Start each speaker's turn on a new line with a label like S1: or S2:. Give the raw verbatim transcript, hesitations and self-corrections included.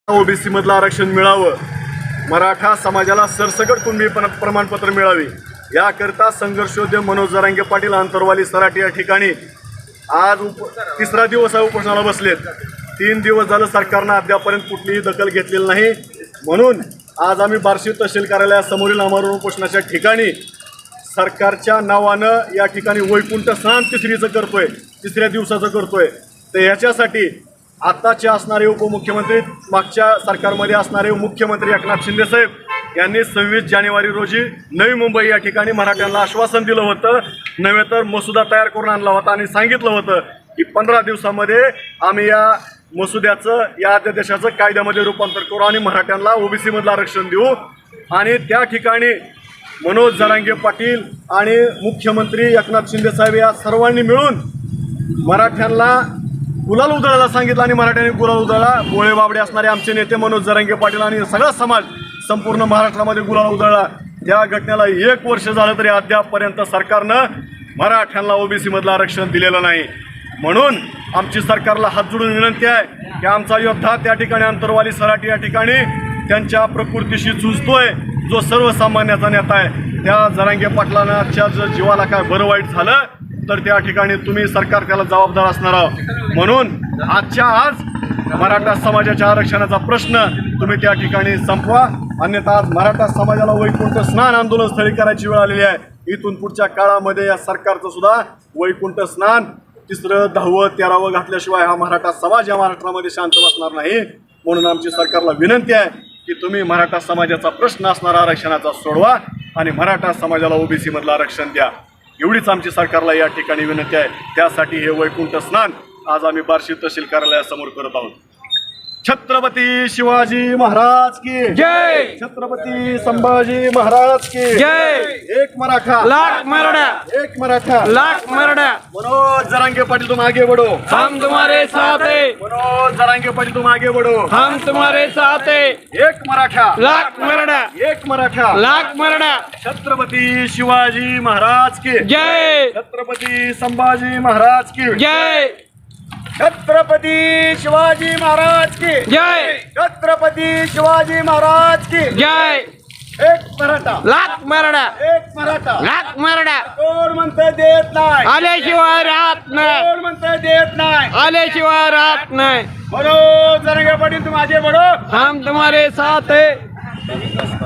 S1: OBC मधलं आरक्षण मिळावं, मराठा समाजाला सरसकट कुणबी प्रमाणपत्र मिळावे याकरता संघर्षोद्यम मनोज जरांगे पाटील आंतरवाली सराटी या ठिकाणी आज उप तिसरा दिवस उपोषणाला बसलेत। तीन दिवस झालं सरकारनं अद्यापर्यंत कुठलीही दखल घेतलेली नाही, म्हणून आज आम्ही बार्शी तहसील कार्यालयासमोरील आमरण उपोषणाच्या ठिकाणी सरकारच्या नावानं या ठिकाणी वैकुंठ स्नान तिसरीचं करतोय, तिसऱ्या दिवसाचं करतोय। तर ह्याच्यासाठी आताचे असणारे उपमुख्यमंत्री, मागच्या सरकारमध्ये असणारे मुख्यमंत्री एकनाथ शिंदे साहेब यांनी सव्वीस जानेवारी रोजी नवी मुंबई या ठिकाणी मराठ्यांना आश्वासन दिलं होतं, नव्हे तर मसुदा तयार करून आणला होता आणि सांगितलं होतं की पंधरा दिवसामध्ये आम्ही या मसुद्याचं, या अध्यादेशाचं कायद्यामध्ये रूपांतर करू आणि मराठ्यांना ओबीसी मधलं आरक्षण देऊ। आणि त्या ठिकाणी मनोज जरांगे पाटील आणि मुख्यमंत्री एकनाथ शिंदे साहेब या सर्वांनी मिळून मराठ्यांना गुलाल उधळायला सांगितलं आणि मराठ्यांनी गुलाल उधळला। गोळे बाबडे असणारे आमचे नेते मनोज जरांगे पाटील आणि सगळा समाज संपूर्ण महाराष्ट्रामध्ये गुलाल उधळला। त्या घटनेला एक वर्ष झालं तरी अद्यापपर्यंत सरकारनं मराठ्यांना ओबीसी मधलं आरक्षण दिलेलं नाही। म्हणून आमची सरकारला हात जोडून विनंती आहे की आमचा योद्धा त्या ठिकाणी अंतरवाली सराटी या ठिकाणी त्यांच्या प्रकृतीशी झुजतोय, जो सर्वसामान्याचा नेता आहे, त्या जरांगे पाटलांच्या जर जीवाला काय बरं वाईट झालं तर त्या ठिकाणी तुम्ही सरकार त्याला जबाबदार असणार आहोत। म्हणून आजच्या आज मराठा समाजाच्या आरक्षणाचा प्रश्न तुम्ही त्या ठिकाणी संपवा, अन्यथा आज मराठा समाजाला वैकुंठ स्नान आंदोलन स्थळी करायची वेळ आलेली आहे। इथून पुढच्या काळामध्ये या सरकारचं सुद्धा वैकुंठ स्नान तिसरं दहावं तेरावं घातल्याशिवाय हा मराठा समाज या महाराष्ट्रामध्ये शांत बसणार नाही। म्हणून आमची सरकारला विनंती आहे की तुम्ही मराठा समाजाचा प्रश्न असणारा आरक्षणाचा सोडवा आणि मराठा समाजाला ओबीसी मधलं आरक्षण द्या, एवढीच आमची सरकारला या ठिकाणी विनंती आहे। त्यासाठी हे वैकुंठ स्नान आज आम्ही बार्शी तहसील कार्यालयासमोर करत आहोत। छत्रपती शिवाजी महाराज की
S2: जय,
S1: छत्रपती संभाजी महाराज की
S2: जय।
S1: एक मराठा
S2: लाख मराठा,
S1: एक मराठा
S2: लाख मराठा।
S1: मनोज जरांगे पाटील तुम आगे बढ़ो,
S2: हम तुम्हारे साथ हैं,
S1: मनोज जरांगे पाटील तुम आगे बढ़ो,
S2: हम तुम्हारे साथ हैं।
S1: एक मराठा,
S2: लाख मराठा,
S1: एक मराठा,
S2: लाख मराठा।
S1: छत्रपती शिवाजी महाराज की
S2: जय,
S1: छत्रपती संभाजी महाराज की
S2: जय,
S1: छत्रपती शिवाजी महाराज की
S2: जय,
S1: छत्रपती शिवाजी महाराज की
S2: जय।
S1: एक मराठा,
S2: लाख मराठा,
S1: एक मराठा।
S2: लाख मराठा।
S1: कोण म्हणतंय देत नाही,
S2: आल्याशिवाय राहत नाही,
S1: कोण म्हणतंय देत नाही,
S2: आल्याशिवाय राहत नाही।
S1: मनोज जरांगे पाटील तुम आगे बढ़ो,
S2: हम तुम्हारे साथ हैं।